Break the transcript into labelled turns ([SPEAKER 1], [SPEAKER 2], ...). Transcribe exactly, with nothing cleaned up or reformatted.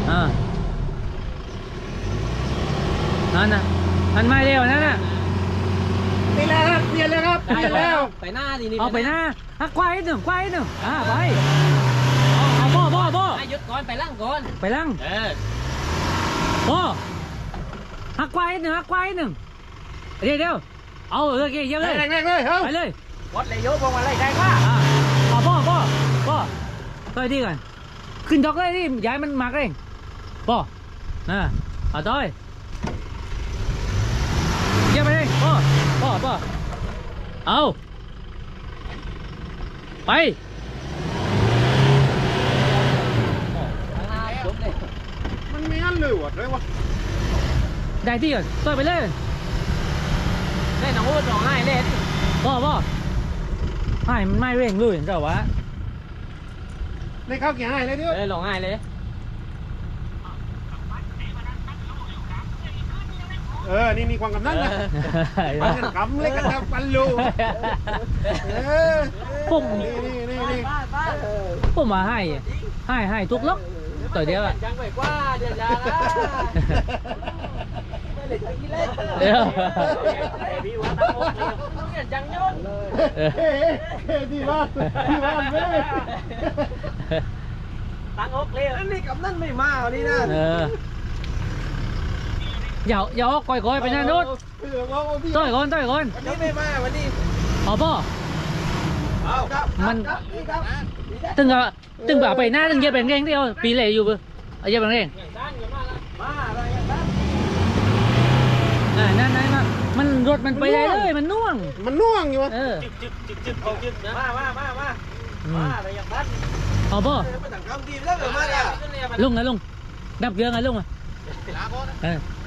[SPEAKER 1] อ่านั่นน่ะมันไม่เร็วนั่นน่ะ
[SPEAKER 2] นี่แหละครับเปลี่ยนเลยครับเปลี่ยนแล้ว
[SPEAKER 3] ไปหน้าดินี่
[SPEAKER 1] เอาไปหน้าหักควายหนึ่งควายหนึ่งอ่าไปเอาบ่บ่บ่
[SPEAKER 3] หยุดก่อนไปล่างก่อน
[SPEAKER 1] ไปลัง
[SPEAKER 3] เออ
[SPEAKER 1] บ่หักควายหนึ่งหักควายหนึ่งเดี๋ยวเดี๋ยวเอาเลยเกี่ยวเลย
[SPEAKER 2] แรงๆเลยเฮ้ย
[SPEAKER 1] ไปเลย
[SPEAKER 3] วัดเลยโยกพวงมาลัยได้ป่ะ
[SPEAKER 1] อ่าเอาบ่บ่บ่ต่อยดีกันขึ้นดอกเลยนี่ย้ายมันมากเองบ่อ่าเอาต่อยเกี่ยวไปเลยบ่บ่บ่เอาไป
[SPEAKER 3] จบเลย
[SPEAKER 2] มันมีอันเหลือเลยวะ
[SPEAKER 1] ได้ที่ก่อนต่อยไปเลย
[SPEAKER 3] เล่นน้องพูดร้องไห้เล่น
[SPEAKER 1] บ่บ่ให้มันไม่เร่งเลยเจ้าวะ
[SPEAKER 2] ในข้าวกี่ให้เลยดิ
[SPEAKER 3] เออร้องไห้เลย
[SPEAKER 2] เออนี่มีความกำนันนะมันกันกำเล็กกันนะปันลูเออ
[SPEAKER 1] ผม
[SPEAKER 2] นี่นี่นี่นี่
[SPEAKER 1] ผมมาให้ให้ให้ทุกล็อกต่อเดียวอะ
[SPEAKER 3] ยังไปกว่าเดี๋ยวจะละไม่เลยจะกินเล่น
[SPEAKER 1] เดี๋ยว
[SPEAKER 3] พี่ว่าตั้งโอ๊ตเนี่ยจังยง
[SPEAKER 2] เฮ้เฮ้ดีมากดีมากเลย
[SPEAKER 3] ตั้งโอ๊ตเลยอันนี้กับนั่นไม่มาวันนี้นะ
[SPEAKER 1] เอออย่าอย่าออกก่อยก่อยไปหน้านู้นต่อยก่อนต่อยก่อน
[SPEAKER 3] วันนี้ไม่มาวันนี้
[SPEAKER 1] เอาป่ะ
[SPEAKER 3] เอาครับ
[SPEAKER 1] มันตึงอะตึงแบบไปหน้าตึงเย็บเป็นเร่งเดียวปีเลยอยู่ปะเอาเย็บเป็นเร่ง
[SPEAKER 3] มาอะไรกันบ้าง
[SPEAKER 1] อ่านั่นนั่นนั่นมันรถมันไปได้เลยมันน่วง
[SPEAKER 2] มันน่วงอยู่วะ
[SPEAKER 1] เออ
[SPEAKER 3] จึกจึกจึกจึกจึกนะมามามามา
[SPEAKER 1] อื
[SPEAKER 3] มาม อะไรอย่างนั้น
[SPEAKER 1] เอาป่ะ
[SPEAKER 3] มาต่างคำดีแล้วเหรอมาเนี่ย
[SPEAKER 1] ลุงนะลุงดับเครื่องนะลุงอ่ะเออ